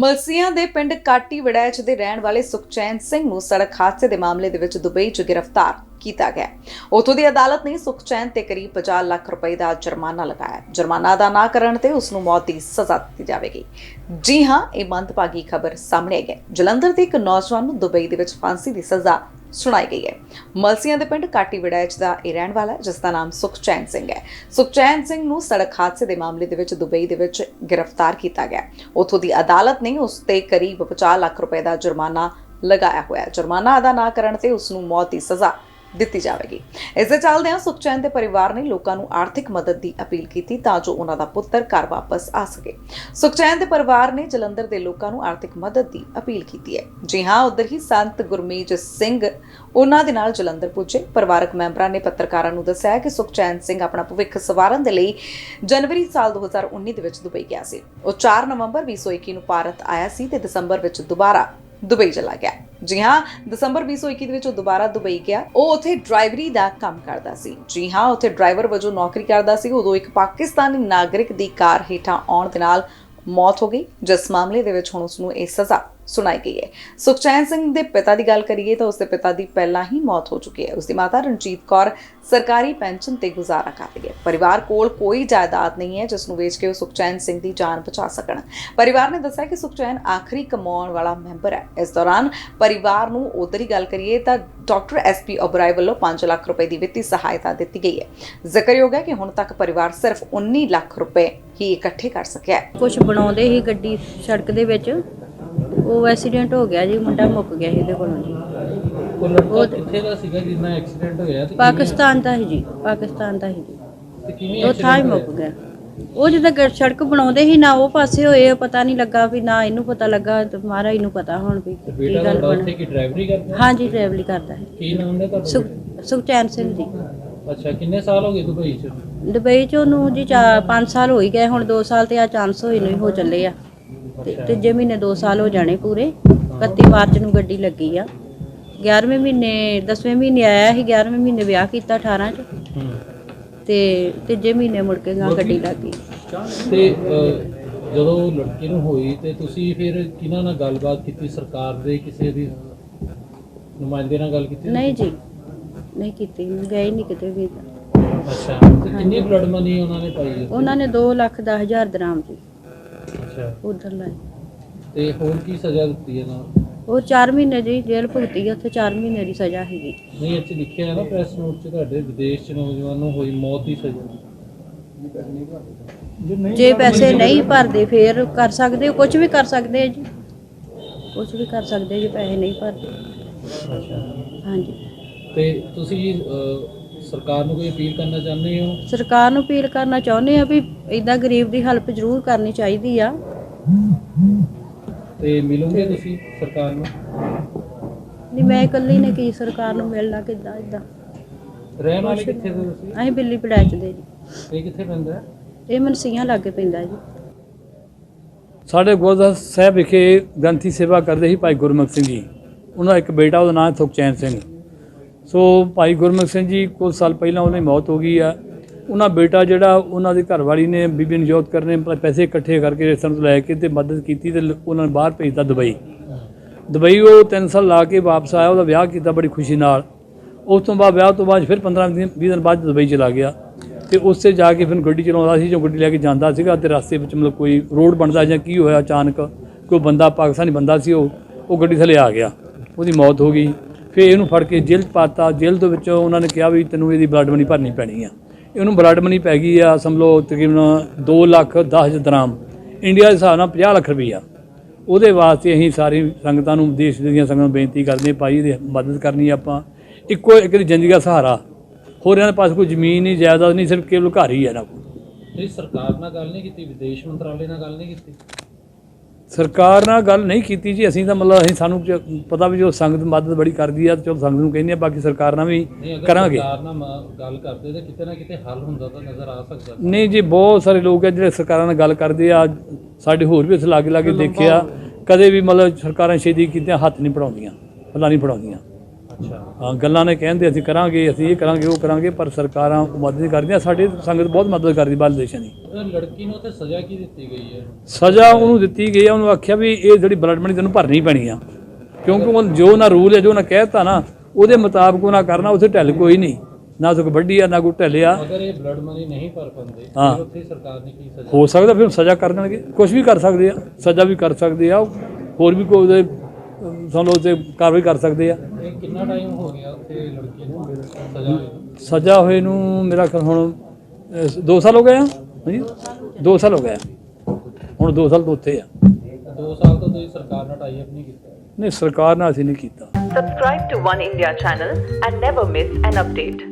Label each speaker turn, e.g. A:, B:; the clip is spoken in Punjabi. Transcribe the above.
A: ਮਲਸੀਆਂ ਦੇ ਪਿੰਡ ਕਾਟੀ ਵੜੈਚ ਦੇ ਰਹਿਣ ਵਾਲੇ ਸੁਖਚੈਨ ਸਿੰਘ ਨੂੰ ਸੜਕ ਹਾਦਸੇ ਦੇ ਮਾਮਲੇ ਦੇ ਵਿੱਚ ਦੁਬਈ 'ਚ ਗ੍ਰਿਫਤਾਰ ਕੀਤਾ ਗਿਆ। ਉੱਥੋਂ ਦੀ ਅਦਾਲਤ ਨੇ ਸੁਖਚੈਨ ਤੇ ਕਰੀਬ 50 ਲੱਖ ਰੁਪਏ ਦਾ ਜੁਰਮਾਨਾ ਲਗਾਇਆ। ਜੁਰਮਾਨਾ ਅਦਾ ਨਾ ਕਰਨ ਤੇ ਉਸ ਨੂੰ ਮੌਤ ਦੀ ਸਜ਼ਾ ਦਿੱਤੀ ਜਾਵੇਗੀ। ਜੀ ਹਾਂ, ਇਹ ਮੰਦਭਾਗੀ ਖਬਰ ਸਾਹਮਣੇ ਆਈ ਹੈ। ਜਲੰਧਰ ਦੇ ਇੱਕ ਨੌਜਵਾਨ ਨੂੰ ਦੁਬਈ ਦੇ ਵਿੱਚ ਫਾਂਸੀ ਦੀ ਸਜ਼ਾ ਸੁਣਾਈ ਗਈ ਹੈ। ਮਲਸੀਆਂ ਦੇ ਪਿੰਡ ਕਾਟੀ ਵੜੈਚ ਦਾ ਇਹ ਰਹਿਣ ਵਾਲਾ ਜਿਸ ਦਾ ਨਾਮ ਸੁਖਚੈਨ ਸਿੰਘ ਹੈ। ਸੁਖਚੈਨ ਸਿੰਘ ਨੂੰ ਸੜਕ ਹਾਦਸੇ ਦੇ ਮਾਮਲੇ ਦੇ ਵਿੱਚ ਦੁਬਈ ਦੇ ਵਿੱਚ ਗ੍ਰਿਫਤਾਰ ਕੀਤਾ ਗਿਆ। ਉੱਥੋਂ ਦੀ ਅਦਾਲਤ ਨੇ ਉਸ ਤੇ ਕਰੀਬ 50 ਲੱਖ ਰੁਪਏ ਦਾ ਜੁਰਮਾਨਾ ਲਗਾਇਆ ਹੋਇਆ। ਜੁਰਮਾਨਾ ਅਦਾ ਨਾ ਕਰਨ ਤੇ ਉਸ ਨੂੰ ਮੌਤ ਦੀ ਸਜ਼ਾ ਦਿੱਤੀ ਜਾਵੇਗੀ। ਇਸ ਦੇ ਚੱਲਦਿਆਂ ਸੁਖਚੈਨ ਦੇ ਪਰਿਵਾਰ ਨੇ ਲੋਕਾਂ ਨੂੰ ਆਰਥਿਕ ਮਦਦ ਦੀ ਅਪੀਲ ਕੀਤੀ ਤਾਂ ਜੋ ਉਹਨਾਂ ਦਾ ਪੁੱਤਰ ਘਰ ਵਾਪਸ ਆ ਸਕੇ। ਸੁਖਚੈਨ ਦੇ ਪਰਿਵਾਰ ਨੇ ਜਲੰਧਰ ਦੇ ਲੋਕਾਂ ਨੂੰ ਆਰਥਿਕ ਮਦਦ ਦੀ ਅਪੀਲ ਕੀਤੀ ਹੈ। ਜੀ ਹਾਂ, ਉਧਰ ਹੀ ਸੰਤ ਗੁਰਮੀਤ ਸਿੰਘ ਉਹਨਾਂ ਦੇ ਨਾਲ ਜਲੰਧਰ ਪੁੱਜੇ। ਪਰਿਵਾਰਕ ਮੈਂਬਰਾਂ ਨੇ ਪੱਤਰਕਾਰਾਂ ਨੂੰ ਦੱਸਿਆ ਕਿ ਸੁਖਚੈਨ ਸਿੰਘ ਆਪਣਾ ਭਵਿੱਖ ਸਵਾਰਨ ਦੇ ਲਈ ਜਨਵਰੀ ਸਾਲ 2019 ਦੇ ਵਿੱਚ ਦੁਬਈ ਗਿਆ ਸੀ। ਉਹ 4 ਨਵੰਬਰ 2021 ਨੂੰ ਭਾਰਤ ਆਇਆ ਸੀ ਤੇ ਦਸੰਬਰ ਵਿੱਚ ਦੁਬਾਰਾ ਦੁਬਈ ਚਲਾ ਗਿਆ। ਜੀ ਹਾਂ, ਦਸੰਬਰ 2021 ਦੇ ਵਿੱਚ ਉਹ ਦੁਬਾਰਾ ਦੁਬਈ ਗਿਆ। ਉਹ ਉੱਥੇ ਡਰਾਈਵਰੀ ਦਾ ਕੰਮ ਕਰਦਾ ਸੀ। ਜੀ ਹਾਂ, ਉੱਥੇ ਡਰਾਈਵਰ ਵਜੋਂ ਨੌਕਰੀ ਕਰਦਾ ਸੀ। ਉਦੋਂ ਇੱਕ ਪਾਕਿਸਤਾਨੀ ਨਾਗਰਿਕ ਦੀ ਕਾਰ ਹੇਠਾਂ ਆਉਣ ਦੇ ਨਾਲ ਮੌਤ ਹੋ ਗਈ, ਜਿਸ ਮਾਮਲੇ ਦੇ ਵਿੱਚ ਹੁਣ ਉਸ ਨੂੰ ਇਹ ਸਜ਼ਾ ਸੁਣਾਈ ਗਈ ਹੈ। ਸੁਖਚੈਨ ਸਿੰਘ ਦੇ ਪਿਤਾ ਦੀ ਗੱਲ ਕਰੀਏ ਤਾਂ ਉਸਦੇ ਪਿਤਾ ਦੀ ਪਹਿਲਾਂ ਹੀ ਮੌਤ ਹੋ ਚੁੱਕੀ ਹੈ। ਉਸਦੀ ਮਾਤਾ ਰਣਜੀਤ ਕੌਰ ਸਰਕਾਰੀ ਪੈਨਸ਼ਨ ਤੇ ਗੁਜ਼ਾਰਾ ਕਰਦੀ ਹੈ। ਪਰਿਵਾਰ ਕੋਲ ਕੋਈ ਜਾਇਦਾਦ ਨਹੀਂ ਹੈ ਜਿਸ ਨੂੰ ਵੇਚ ਕੇ ਉਹ ਸੁਖਚੈਨ ਸਿੰਘ ਦੀ ਜਾਨ ਬਚਾ ਸਕਣ। ਪਰਿਵਾਰ ਨੇ ਦੱਸਿਆ ਕਿ ਸੁਖਚੈਨ ਆਖਰੀ ਕਮਾਉਣ ਵਾਲਾ ਮੈਂਬਰ ਹੈ। ਇਸ ਦੌਰਾਨ ਪਰਿਵਾਰ ਨੂੰ ਉਧਰ ਹੀ ਗੱਲ ਕਰੀਏ ਤਾਂ ਡਾਕਟਰ SP ਓਬਰਾਏ ਵੱਲੋਂ 5 ਲੱਖ ਰੁਪਏ ਦੀ ਵਿੱਤੀ ਸਹਾਇਤਾ ਦਿੱਤੀ ਗਈ ਹੈ। ਜ਼ਿਕਰਯੋਗ ਹੈ ਕਿ ਹੁਣ ਤੱਕ ਪਰਿਵਾਰ ਸਿਰਫ 19 ਲੱਖ ਰੁਪਏ ਹੀ ਇਕੱਠੇ ਕਰ ਸਕਿਆ ਹੈ।
B: ਕੁਝ ਬਣਾਉਂਦੇ ਹੀ ਗੱਡੀ ਸੜਕ ਦੇ ਵਿੱਚ ਉਹ ਐਕਸੀਡੈਂਟ ਹੋ ਗਿਆ ਜੀ। ਮੁੰਡਾ ਮੁੱਕ ਗਿਆ ਇਹਦੇ ਕੋਲੋਂ ਜੀ।
C: ਉਹ ਕਿੱਥੇ ਦਾ ਸੀਗਾ ਜਿੰਨਾ ਐਕਸੀਡੈਂਟ ਹੋਇਆ ਤੇ
B: ਪਾਕਿਸਤਾਨ ਦਾ ਹੀ ਜੀ, ਪਾਕਿਸਤਾਨ ਦਾ ਹੀ ਜੀ।
C: ਤੇ ਕਿਵੇਂ
B: ਉਹ ਥਾਂ ਹੀ ਮੁੱਕ ਗਿਆ। ਉਹ ਜਦੋਂ ਸੜਕ ਬਣਾਉਂਦੇ ਹੀ ਨਾ ਉਹ ਪਾਸੇ ਹੋਏ, ਪਤਾ ਨਹੀਂ ਲੱਗਾ ਵੀ ਨਾ ਇਹਨੂੰ ਪਤਾ ਲੱਗਾ ਤੇ ਮਹਾਰਾਜ ਨੂੰ ਪਤਾ ਹੁਣ ਵੀ ਕੀ ਗੱਲ ਬਣੀ।
C: ਕੀ ਡਰਾਈਵਰੀ ਕਰਦਾ?
B: ਹਾਂ ਜੀ, ਡਰਾਈਵਰੀ ਕਰਦਾ ਹੈ।
C: ਕੀ ਨਾਮ ਹੈ ਤੁਹਾਡਾ?
B: ਸੁਖਚੈਨ ਸਿੰਘ ਜੀ।
C: ਅੱਛਾ, ਕਿੰਨੇ ਸਾਲ ਹੋ ਗਏ ਦੁਬਈ ਚ?
B: ਦੁਬਈ ਚ ਉਹਨੂੰ ਜੀ 5 ਸਾਲ ਹੋ ਹੀ ਗਏ। ਹੁਣ 2 ਸਾਲ ਤੇ ਆ ਚਾਂਸ ਹੋਏ ਨਹੀਂ ਹੋ ਚੱਲੇ ਆ। ਤੇ ਤੀਜੇ ਮਹੀਨੇ 2 ਸਾਲ ਹੋ ਜਾਣੇ ਪੂਰੇ। 31 ਮਾਰਚ ਨੂੰ ਗੱਡੀ ਲੱਗੀ ਆ। 11ਵੇਂ ਮਹੀਨੇ 10ਵੇਂ ਮਹੀਨੇ ਆਇਆ ਸੀ। 11ਵੇਂ ਮਹੀਨੇ ਵਿਆਹ ਕੀਤਾ 18 ਚ ਤੇ ਤੀਜੇ ਮਹੀਨੇ ਮੁੜ ਕੇ ਗੱਡੀ ਲੱਗ ਗਈ।
C: ਤੇ ਜਦੋਂ ਲੜਕੀ ਨੂੰ ਹੋਈ ਤੇ ਤੁਸੀਂ ਫਿਰ ਕਿਹਨਾਂ ਨਾਲ ਗੱਲਬਾਤ ਕੀਤੀ? ਸਰਕਾਰ ਦੇ ਕਿਸੇ ਦੀ ਨੁਮਾਇੰਦੇ ਨਾਲ ਗੱਲ ਕੀਤੀ?
B: ਨਹੀਂ ਜੀ, ਨਹੀਂ ਕੀਤੀ। ਗਏ ਨਹੀਂ ਕਿਤੇ ਵੀ।
C: ਅੱਛਾ, ਤੇ ਕਿੰਨੀ ਬਲੱਡ ਮਨੀ ਉਹਨਾਂ ਨੇ ਪਾਈ?
B: ਉਹਨਾਂ ਨੇ 2,10,000 ਦਰਾਮ ਜੀ
C: ਅੱਛਾ,
B: ਉਧਰ ਲਾਏ।
C: ਤੇ ਹੋਰ ਕੀ ਸਜ਼ਾ ਦਿੱਤੀ ਇਹਨਾਂ ਨੂੰ?
B: ਉਹ 4 ਮਹੀਨੇ ਜੀ ਜੇਲ੍ਹ ਭੁਗਤੀ ਆ। ਉੱਥੇ 4 ਮਹੀਨੇ ਦੀ ਸਜ਼ਾ ਹੈਗੀ।
C: ਨਹੀਂ, ਇੱਥੇ ਲਿਖਿਆ ਹੈ ਨਾ ਪ੍ਰੈਸ ਨੋਟ 'ਚ ਤੁਹਾਡੇ ਵਿਦੇਸ਼ 'ਚ ਨੌਜਵਾਨ ਨੂੰ ਹੋਈ ਮੌਤ ਦੀ ਸਜ਼ਾ।
B: ਜੇ ਪੈਸੇ ਨਹੀਂ ਭਰਦੇ ਫੇਰ ਕਰ ਸਕਦੇ, ਕੁਝ ਵੀ ਕਰ ਸਕਦੇ ਜੀ, ਕੁਝ ਵੀ ਕਰ ਸਕਦੇ ਜੇ ਪੈਸੇ ਨਹੀਂ ਭਰਦੇ।
C: ਅੱਛਾ,
B: ਹਾਂਜੀ।
C: ਤੇ ਤੁਸੀਂ ਸਰਕਾਰ ਨੂੰ ਕੋਈ ਅਪੀਲ ਕਰਨਾ ਚਾਹੁੰਦੇ ਹੋ?
B: ਸਰਕਾਰ ਨੂੰ ਅਪੀਲ ਕਰਨਾ ਚਾਹੁੰਦੇ ਆ ਵੀ ਇਦਾਂ ਗਰੀਬ ਦੀ ਹੈਲਪ ਜ਼ਰੂਰ ਕਰਨੀ ਚਾਹੀਦੀ ਆ।
C: ਤੇ ਮਿਲੋਗੇ ਤੁਸੀਂ ਸਰਕਾਰ ਨੂੰ?
B: ਨਹੀਂ, ਮੈਂ ਇਕੱਲੀ ਨੇ ਕੀ ਸਰਕਾਰ ਨੂੰ ਮਿਲਣਾ ਕਿੱਦਾਂ ਇਦਾਂ।
C: ਰਹਿਣ ਵਾਲੇ ਕਿੱਥੇ ਦੇ ਤੁਸੀਂ?
B: ਅਸੀਂ ਬਿੱਲੀ ਪੜੈਚ ਦੇ ਜੀ।
C: ਇਹ ਕਿੱਥੇ ਪੈਂਦਾ ਹੈ?
B: ਇਹ ਮਨਸੀਆਂ ਲਾਗੇ ਪੈਂਦਾ ਜੀ।
D: ਸਾਡੇ ਗੁਰਦੁਆਰਾ ਸਾਹਿਬ ਵਿਖੇ ਗ੍ਰੰਥੀ ਸੇਵਾ ਕਰਦੇ ਸੀ ਭਾਈ ਗੁਰਮੁਖ ਸਿੰਘ ਜੀ। ਉਹਨਾਂ ਦਾ ਇੱਕ ਬੇਟਾ, ਉਹਦਾ ਨਾਮ ਸੁਖਚੈਨ ਸਿੰਘ। ਸੋ ਭਾਈ ਗੁਰਮੁਖ ਸਿੰਘ ਜੀ ਕੁਝ ਸਾਲ ਪਹਿਲਾਂ ਉਹਨਾਂ ਦੀ ਮੌਤ ਹੋ ਗਈ ਆ। ਉਹਨਾਂ ਬੇਟਾ ਜਿਹੜਾ ਉਹਨਾਂ ਦੀ ਘਰਵਾਲੀ ਨੇ ਬੀਬੀ ਨਜੋਤ ਕਰ ਨੇ ਪੈਸੇ ਇਕੱਠੇ ਕਰਕੇ ਰਿਸ਼ਤੇਦਾਰਾਂ ਤੋਂ ਲੈ ਕੇ ਤੇ ਮਦਦ ਕੀਤੀ ਤੇ ਉਹਨਾਂ ਨੂੰ ਬਾਹਰ ਭੇਜਤਾ ਦੁਬਈ। ਦੁਬਈ ਉਹ 3 ਸਾਲ ਲਾ ਕੇ ਵਾਪਸ ਆਇਆ। ਉਹਦਾ ਵਿਆਹ ਕੀਤਾ ਬੜੀ ਖੁਸ਼ੀ ਨਾਲ। ਉਸ ਤੋਂ ਬਾਅਦ ਵਿਆਹ ਤੋਂ ਬਾਅਦ ਫਿਰ 15-20 ਦਿਨ ਬਾਅਦ ਦੁਬਈ ਚਲਾ ਗਿਆ ਤੇ ਉੱਥੇ ਜਾ ਕੇ ਫਿਰ ਗੱਡੀ ਚਲਾਉਂਦਾ ਸੀ। ਜੋ ਗੱਡੀ ਲੈ ਕੇ ਜਾਂਦਾ ਸੀਗਾ ਤੇ ਰਸਤੇ ਵਿੱਚ ਮਤਲਬ ਕੋਈ ਰੋਡ ਬਣਦਾ ਜਾਂ ਕੀ ਹੋਇਆ, ਅਚਾਨਕ ਕੋਈ ਬੰਦਾ ਪਾਕਿਸਤਾਨੀ ਬੰਦਾ ਸੀ ਉਹ ਗੱਡੀ ਥੱਲੇ ਆ ਗਿਆ। ਉਹਦੀ ਮੌਤ ਹੋ ਗਈ। ਫਿਰ ਇਹਨੂੰ ਫੜ ਕੇ ਜੇਲ੍ਹ 'ਚ ਪਾਤਾ। ਜੇਲ੍ਹ ਦੇ ਵਿੱਚੋਂ ਉਹਨਾਂ ਨੇ ਕਿਹਾ ਵੀ ਤੈਨੂੰ ਇਹਦੀ ਬਲੱਡ ਮਨੀ ਭਰਨੀ ਪੈਣੀ ਆ। ਇਹਨੂੰ ਬਲੱਡ ਮਨੀ ਪੈ ਗਈ ਆ ਸਮਝੋ ਤਕਰੀਬਨ 2,10,000 ਦਰਾਮ, ਇੰਡੀਆ ਦੇ ਹਿਸਾਬ ਨਾਲ 50 ਲੱਖ ਰੁਪਈਆ। ਉਹਦੇ ਵਾਸਤੇ ਅਸੀਂ ਸਾਰੀ ਸੰਗਤਾਂ ਨੂੰ, ਦੇਸ਼ ਦੀਆਂ ਸੰਗਤਾਂ ਨੂੰ ਬੇਨਤੀ ਕਰਦੇ ਹਾਂ, ਭਾਈ ਇਹਦੀ ਮਦਦ ਕਰਨੀ ਆਪਾਂ। ਇੱਕੋ ਇੱਕ ਦੀ ਜ਼ਿੰਦਗੀ ਦਾ ਸਹਾਰਾ, ਹੋਰ ਇਹਨਾਂ ਦੇ ਪਾਸ ਕੋਈ ਜ਼ਮੀਨ ਨਹੀਂ, ਜਾਇਦਾਦ ਨਹੀਂ, ਸਿਰਫ ਕੇਵਲ ਘਰ ਹੀ ਹੈ ਇਹਨਾਂ ਕੋਲ।
C: ਇਹ ਸਰਕਾਰ ਨਾਲ ਗੱਲ ਨਹੀਂ ਕੀਤੀ? ਵਿਦੇਸ਼ ਮੰਤਰਾਲੇ ਨਾਲ ਗੱਲ ਨਹੀਂ ਕੀਤੀ?
D: ਸਰਕਾਰ ਨਾਲ ਗੱਲ ਨਹੀਂ ਕੀਤੀ ਜੀ। ਅਸੀਂ ਤਾਂ ਮਤਲਬ ਸਾਨੂੰ ਪਤਾ ਵੀ ਜੋ ਸੰਗਤ ਮਦਦ ਬੜੀ ਕਰਦੀ ਆ, ਚਲੋ ਸੰਗਤ ਨੂੰ ਕਹਿੰਦੇ ਆ, ਬਾਕੀ ਸਰਕਾਰ ਨਾਲ ਵੀ ਕਰਾਂਗੇ।
C: ਸਰਕਾਰ ਨਾਲ ਗੱਲ ਕਰਦੇ ਤਾਂ ਕਿਤੇ ਨਾ ਕਿਤੇ ਹੱਲ ਹੁੰਦਾ ਤਾਂ ਨਜ਼ਰ ਆ ਸਕਦਾ।
D: ਨਹੀਂ ਜੀ, ਬਹੁਤ ਸਾਰੇ ਲੋਕ ਆ ਜਿਹੜੇ ਸਰਕਾਰਾਂ ਨਾਲ ਗੱਲ ਕਰਦੇ ਆ। ਸਾਡੇ ਹੋਰ ਵੀ ਅਸੀਂ ਲਾਗੇ ਲਾਗੇ ਦੇਖਿਆ, ਕਦੇ ਵੀ ਮਤਲਬ ਸਰਕਾਰਾਂ ਛੇਤੀ ਕੀਤੀਆਂ ਹੱਥ ਨਹੀਂ ਪੜਾਉਂਦੀਆਂ, ਪੱਲਾ ਨਹੀਂ ਪੜਾਉਂਦੀਆਂ।
C: ਅੱਛਾ।
D: ਹਾਂ, ਗੱਲਾਂ ਨੇ ਕਹਿੰਦੇ ਅਸੀਂ ਕਰਾਂਗੇ, ਅਸੀਂ ਇਹ ਕਰਾਂਗੇ, ਉਹ ਕਰਾਂਗੇ, ਪਰ ਸਰਕਾਰਾਂ ਮਦਦ ਨਹੀਂ ਕਰਦੀਆਂ। ਸਾਡੀ ਸੰਗਤ ਬਹੁਤ ਮਦਦ ਕਰਦੀ ਬਾਹਰਲੇ ਦੇਸ਼ਾਂ ਦੀ।
C: ਲੜਕੀ ਨੂੰ ਤੇ ਸਜ਼ਾ ਕੀ ਦਿੱਤੀ ਗਈ ਹੈ?
D: ਸਜ਼ਾ ਉਹਨੂੰ ਦਿੱਤੀ ਗਈ ਆ, ਉਹਨੂੰ ਆਖਿਆ ਵੀ ਇਹ ਜਿਹੜੀ ਬਲੱਡ ਮਨੀ ਤੈਨੂੰ ਭਰਨੀ ਪੈਣੀ ਆ, ਕਿਉਂਕਿ ਉਹ ਜੋ ਨਾ ਰੂਲ ਹੈ, ਜੋ ਨਾ ਕਹਿਤਾ ਨਾ ਉਹਦੇ ਮੁਤਾਬਕ ਉਹਨਾਂ ਕਰਨਾ। ਉੱਥੇ ਢਿੱਲ ਕੋਈ ਨਹੀਂ, ਨਾ ਕੋਈ ਵੱਡੀ ਆ ਨਾ ਕੋਈ ਢਿੱਲਿਆ।
C: ਅਗਰ ਇਹ ਬਲੱਡ ਮਨੀ ਨਹੀਂ ਭਰ ਪਾਉਂਦੇ
D: ਹਾਂ।
C: ਫਿਰ ਉੱਥੇ ਸਰਕਾਰ ਨੇ ਕੀ ਸਜ਼ਾ?
D: ਹੋ ਸਕਦਾ ਫਿਰ ਸਜ਼ਾ ਕਰ ਦੇਣਗੇ, ਕੁਝ ਵੀ ਕਰ ਸਕਦੇ ਆ, ਸਜ਼ਾ ਵੀ ਕਰ ਸਕਦੇ ਆ, ਹੋਰ ਵੀ ਕੋਈ ਉਹਦੇ ਸਾਨੂੰ ਉਹਤੇ ਕਾਰਵਾਈ ਕਰ ਸਕਦੇ ਆ।
C: ਇਹ ਕਿੰਨਾ ਟਾਈਮ ਹੋ ਗਿਆ ਉੱਥੇ ਲੜਕੀ ਨੂੰ ਸਜ਼ਾ ਹੋਈ?
D: ਸਜ਼ਾ ਹੋਏ ਨੂੰ ਮੇਰਾ ਖਿਆਲ ਹੁਣ 2 ਸਾਲ ਹੋ ਗਏ ਆ। ਹਾਂਜੀ 2 ਸਾਲ ਹੋ ਗਏ ਆ। ਹੁਣ 2 ਸਾਲ ਤੋਂ ਉੱਥੇ ਆ।
C: 2 ਸਾਲ ਤੋਂ ਤੁਸੀਂ ਸਰਕਾਰ ਨਾਲ ਟਾਈ ਅਪ ਨਹੀਂ ਕੀਤਾ?
D: ਨਹੀਂ, ਸਰਕਾਰ ਨਾਲ ਅਸੀਂ ਨਹੀਂ ਕੀਤਾ।
E: Subscribe to One India channel and never miss an update.